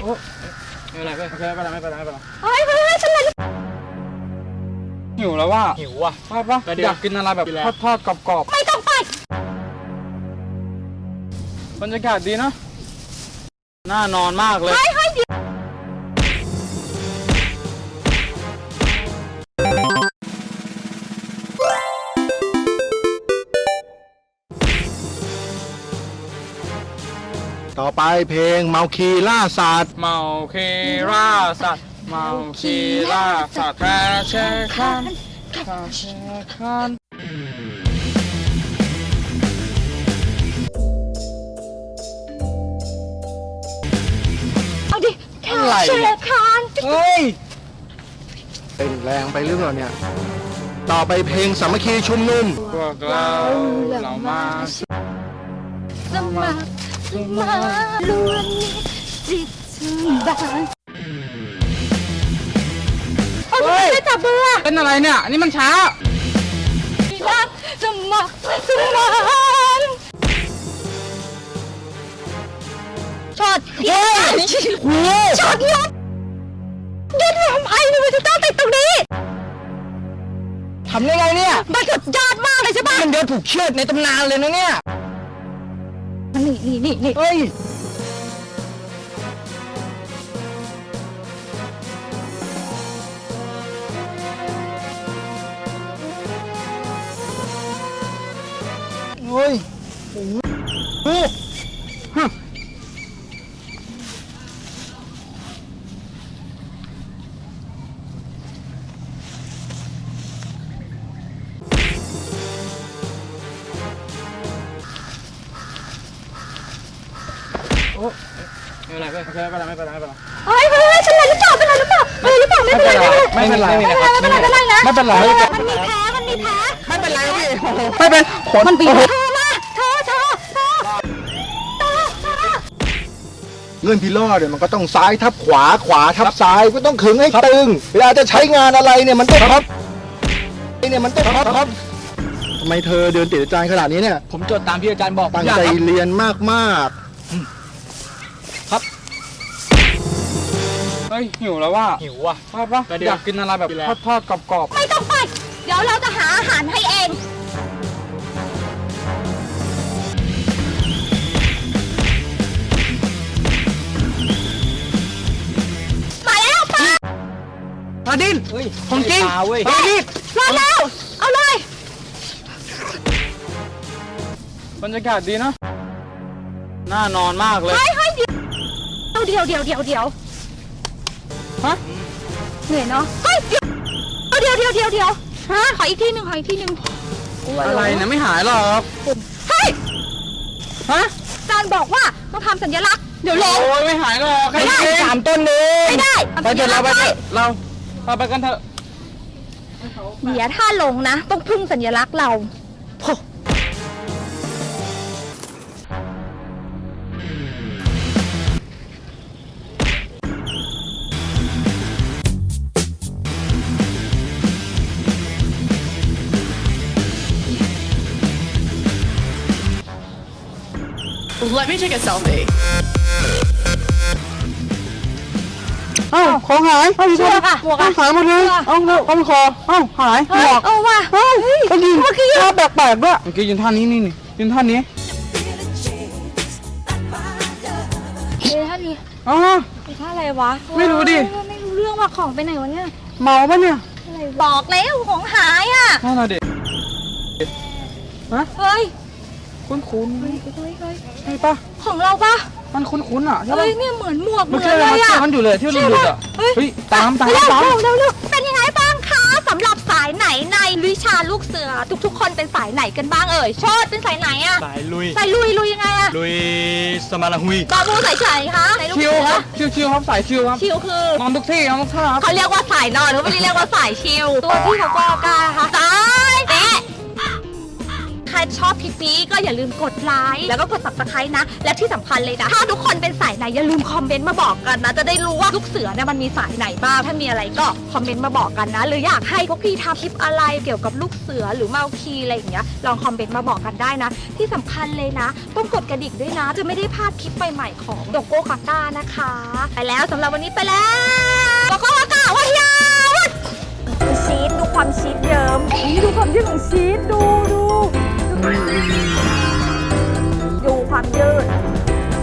โอ้ไม่เป็นไรโอเคไม่เป็นไรเฮ้ยฉันเลยหิวแล้วว่าหิวว่ะปะอยากกินอะไรแบบทอดกรอบไม่ต้องไปบรรยากาศดีนะน่านอนมากเลยต่อไปเพลงเมาคีล่าสัตว์เมาคีล่าสัตว์เมาคีล่าสัตว์แคร์แชร์คันเอาดิแค่แชร์คานเฮ้ยเป็นแรงไปหรือเปล่าเนี่ยต่อไปเพลงสามัคคีชุมนุมพวกเรามาสมัครมาล้วนจิตชื่นบานไม่จับเบอร์เป็นอะไรเนี่ยนี่มันช้ารักสมัครช็อตช็อตยศทำไมมันจะต้องติดตรงนี้ทำได้ไงเนี่ยมันสุดยอดมากเลยใช่ปะมันเดินผูกเชือกในตำนานเลยนะเนี่ยนี่เฮ้ยโอ้ไม่เป็นไรโอเคไม่เป็นไรเฮ้ยฉันเลยหรือเปล่าไม่เป็นไรไม่เป็นไรนะมันมีแพ้ไม่เป็นไรพี่ไม่เป็นมันบีบเธอมาเธอเลื่อนพิลอดเนี่ยมันก็ต้องซ้ายทับขวาทับซ้ายก็ต้องขึงให้ตึงเวลาจะใช้งานอะไรเนี่ยมันต้องครับทำไมเธอเดินติดอาจารย์ขนาดนี้เนี่ยผมจดตามที่อาจารย์บอกตั้งใจเรียนมากครับเฮ้ยหิวแล้วว่าหิวว่ะปะอยากกินอะไรแบบทอดกรอบไม่ต้องไปเดี๋ยวเราจะหาอาหารให้เองมาแล้วปลาดิ้นของจริงปลาดิ้นมาแล้วเอาเลยบรรยากาศดีนะน่านอนมากเลยเดี๋ยวฮะเหนื่อยเนาะเฮ้ยเดี๋ยวฮะขออีกทีหนึ่งอะไรนะไม่หายหรอกเฮ้ยฮะอาจารย์บอกว่าต้องทำสัญลักษณ์เดี๋ยวลงโอ้ยไม่หายหรอกไม่ได้ 3 ต้นเลยไม่ได้ไปเถอะเราไปกันเถอะเดี๋ยวถ้าลงนะต้องพึ่งสัญลักษณ์เรา Let me take a selfie. ของหายเชือกอะหมวกอะหายหมดเลยเอาคอหายหมวกเอาว่ะเมื่อกี้ท่าแปลกๆด้วยเมื่อกี้ยืนท่านี้ยืนท่านี้ท่านี้ท่าอะไรวะไม่รู้ดิไม่รู้เรื่องว่าของไปไหนวะเนี่ยเมาปะเนี่ยบอกแล้วของหายอ่ะนั่นน่ะดิเฮ้ยคุ้นใช่ปะของเราปะมันคุ้นอ่ะใช่ปะเนี่ยเหมือนหมวกเหมือนเลยอ่ะมันอยู่เลยที่หลุดอ่ะเฮ้ยตามเร็วเป็นยังไงบ้างคะสำหรับสายไหนในวิชาลูกเสือทุกคนเป็นสายไหนกันบ้างเอ่ยชดเป็นสายไหนอ่ะสายลุยยังไงอ่ะลุยสมาราฮุยบาบูสายไหนคะชิวครับชิวครับสายชิวครับชิวคือนอนทุกที่นอนทุกท่าเขาเรียกว่าสายนอนเขาไม่ได้เรียกว่าสายชิวตัวที่เขาก็กล้าค่ะสายเตะใครชอบคลิปนี้ก็อย่าลืมกดไลค์แล้วก็กด subscribe นะและที่สำคัญเลยนะถ้าทุกคนเป็นสายไหนอย่าลืมคอมเมนต์มาบอกกันนะจะได้รู้ว่าลูกเสือเนี่ยมันมีสายไหนบ้างถ้ามีอะไรก็คอมเมนต์มาบอกกันนะหรืออยากให้พวกพี่ทำคลิปอะไรเกี่ยวกับลูกเสือหรือเมาคีอะไรอย่างเงี้ยลองคอมเมนต์มาบอกกันได้นะที่สำคัญเลยนะต้องกดกระดิ่งด้วยนะจะไม่ได้พลาดคลิปใหม่ๆของโดโก้กาก้านะคะไปแล้วสำหรับวันนี้ไปแล้วโดโก้กาก้าว้ายาวชีสดูความชีสเยิ้มนี่ดูความยืดของชีสดู